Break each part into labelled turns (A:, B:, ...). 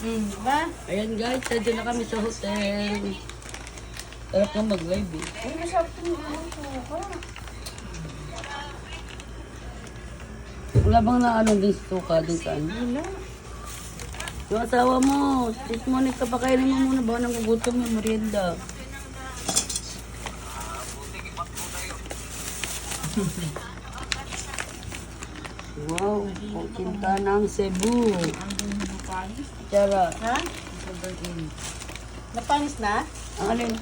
A: Diba?
B: Ayan guys, nandiyan na kami sa hotel. Sarap nga mag-live eh.
A: Ay, masarap yung suka.
B: Wala bang na ano din suka din sa ano?
A: Wala.
B: Yung asawa mo, sis Monica, pakainin mo muna ba nang gugutom yung merienda? Wow, kukinta ng Cebu. Tara.
A: Ha? Napanis na?
B: Ang alin?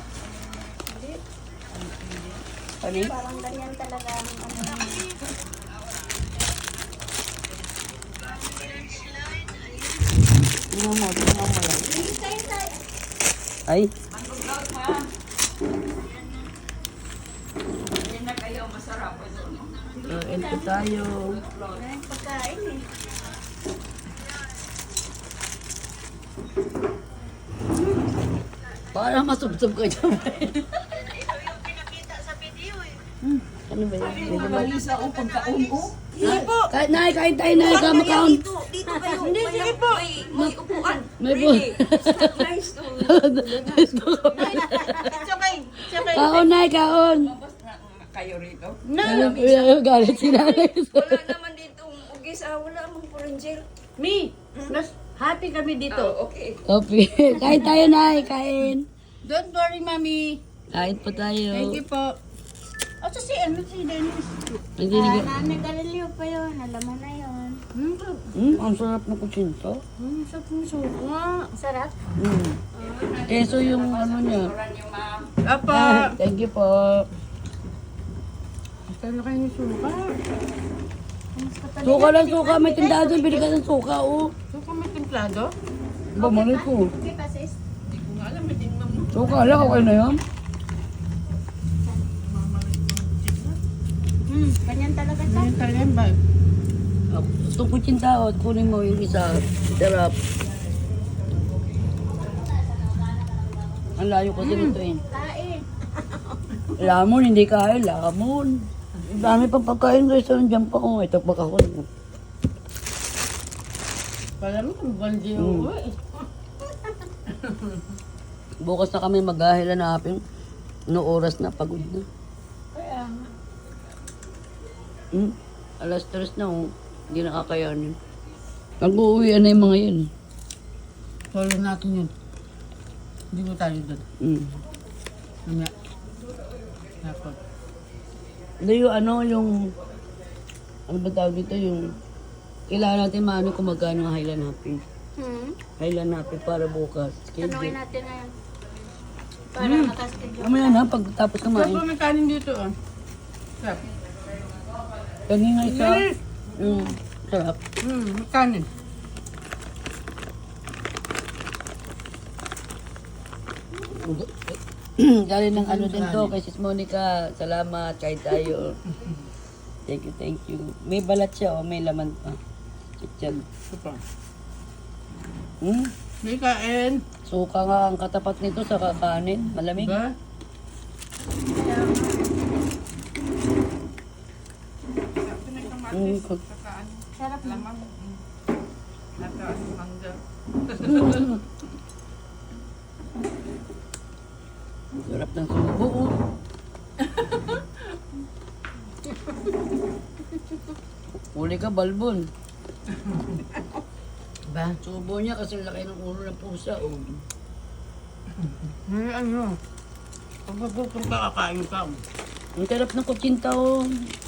B: Panis?
A: Parang ganyan talaga ang ano.
B: Tingnan mo lang. Ay. Kain po tayo.
A: Maraming pagkain eh.
B: Para masubsob ka dyan. Ano ba yun? Hindi ba?
C: Malisa o pagkaon o.
A: Sige po.
B: Kahit na, kain tayo na, kamakaon.
C: Dito kayo.
A: Hindi, sige po.
C: May upuan.
B: May po.
C: Nice to.
A: It's okay. It's okay.
B: Kaon na, kaon.
C: Kayo rito.
A: No.
B: Galit si nanay.
C: Wala naman dito ugis. Wala amang puranger.
A: Me. Nas, happy kami dito.
C: Okay.
B: Okay. Kain tayo na, kain.
A: Don't worry, Mami.
B: Kain po tayo.
A: Thank you po. O, si Dennis.
B: Hindi, hindi.
D: Nami Galileo pa yun. Alam mo na yun.
B: Ang sarap ng kutsinta.
A: Sarap ng suka.
D: Sarap.
B: Keso yung ano niya.
A: Apa.
B: Thank you po.
A: Saan na kayo ng suka?
B: Suka lang, suka. May tindahan doon. Bili ka ng suka, oh.
A: Suka may templado?
B: Ba, malay ko.
D: Okay pa sis?
B: Suka lang, okay na yan.
D: Ganyan talaga to.
A: Ganyan talaga yan ba?
B: Itong kutsinta, oh. Kunin mo yung isa. Sarap. Ang layo kasi nito eh.
D: Kain.
B: Lamon, hindi kain. Lamon. Ang dami pang pagkain guys. Nandiyan pa ko. Ito pa ako.
A: Pala mo, bandi yung uwi.
B: Bukas na kami maghahila na hapin. No oras na, pagod na.
A: Kaya nga.
B: Alas 3 na, oh. Hindi nakakayanin. Nag-uuwian na yung mga yun.
A: Solo natin yun. Hindi ko tayo doon. Mamaya. Dapat.
B: Hindi yung ano, ano ba tawag dito, yung kailangan natin maano kung magkano ang Highland Happy. Highland Happy para bukas.
D: Tanungin
B: Schedule.
D: natin na yan. Para makaschedule.
B: Mamaya na, pagtapos
A: Sarap
B: kumain.
A: po may kanin dito ah. Sarap.
B: Kanina isa. Sarap.
A: May kanin.
B: Galing ng ano din to, kay Sis Monica. Salamat, kahit tayo. Thank you, thank you. May balat siya, oh, may laman pa. Chichag.
A: Super.
B: Hmm?
A: May kain.
B: Suka nga ang katapat nito sa kakanin. Malamig.
A: Diba?
D: Sarap na.
B: Sarap ng subo, oh. Huli ka, balbon.
A: Ba?
B: Subo niya kasi laki ng ulo ng pusa, oh.
A: May ano. Pag magutom ka, kakain ka.
B: Ang sarap ng kutsinta, oh.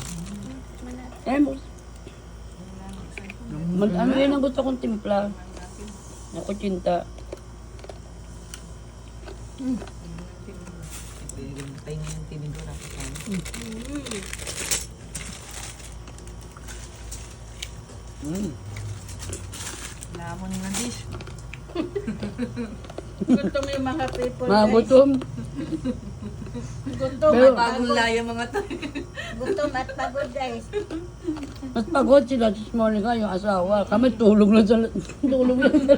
B: Ano yan ang gusto kong timpla? Na kutsinta.
C: Lamon nga dish.
A: Gutom yung mga people.
B: Magutom.
A: Gutom.
B: Pero,
C: Bagong laya mga to.
D: Gutom at pagod guys.
B: mas pagod sila, Sis Monica, yung asawa. Kami tulog lang sa tulog lang sa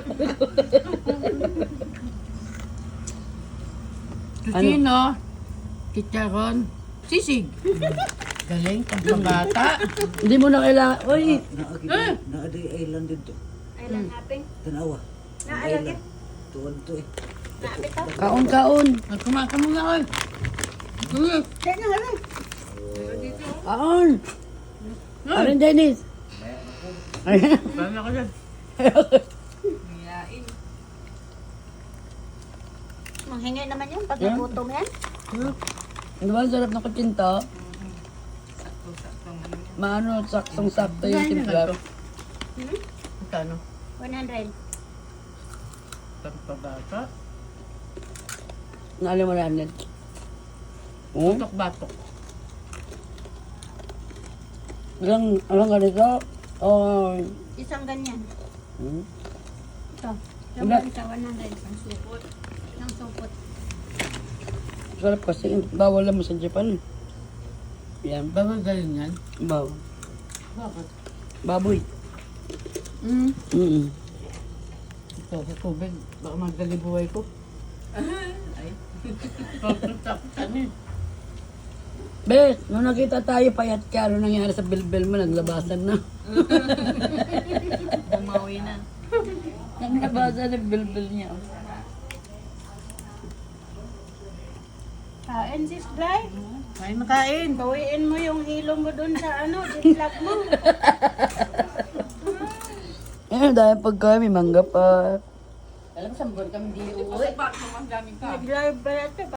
A: Tusino. Chicharon. Sisig. Galing, pambata.
B: Hindi mo na kailangan. Uy!
E: Naadi island dito.
D: Island hopping.
E: Tanawa.
C: Naalagit.
E: Tuwad to eh.
D: Nabitaw.
B: Kaon, kaon.
A: Kumaka muna ko. Sige.
D: Diyan na lang.
B: Kaon. Arin, Dennis.
A: Paano ka dyan?
D: Manghingi naman yan pag nagutom yan.
B: Ano ba, ang sarap ng kutsinta? Maano, saksong-sakto yung timpla.
A: Magkano?
D: 100.
A: Pagpabata?
B: Naalim mo na, Oh?
A: Batok-batok.
B: Alang ganito? Oh.
D: Isang ganyan.
B: Hmm?
D: Ito.
B: Wala.
D: Laban sa 100. Ang supot. Ang supot.
B: Sarap kasi, bawal naman sa Japan. Yan,
A: Bawal galing yan?
B: bawal.
A: Bakit?
B: Baboy.
A: Hmm.
B: Mm.
A: Ito sa tubig. Baka magdali buhay ko. Ay. Pagpunta-punta niya.
B: Bes, nung nakita tayo payat ka, ano nangyari sa bilbil mo? Naglabasan na.
C: Bumawi na.
B: Naglabasan ng bilbil niya.
D: Kain sis, Blay.
A: Kain na kain.
D: Bawiin mo yung hilo mo dun sa jitlap mo.
B: Eh, dahil pagka may mangga pa.
A: Alam, 1 buwan kami di uuwi.
D: Nag-live ba natin?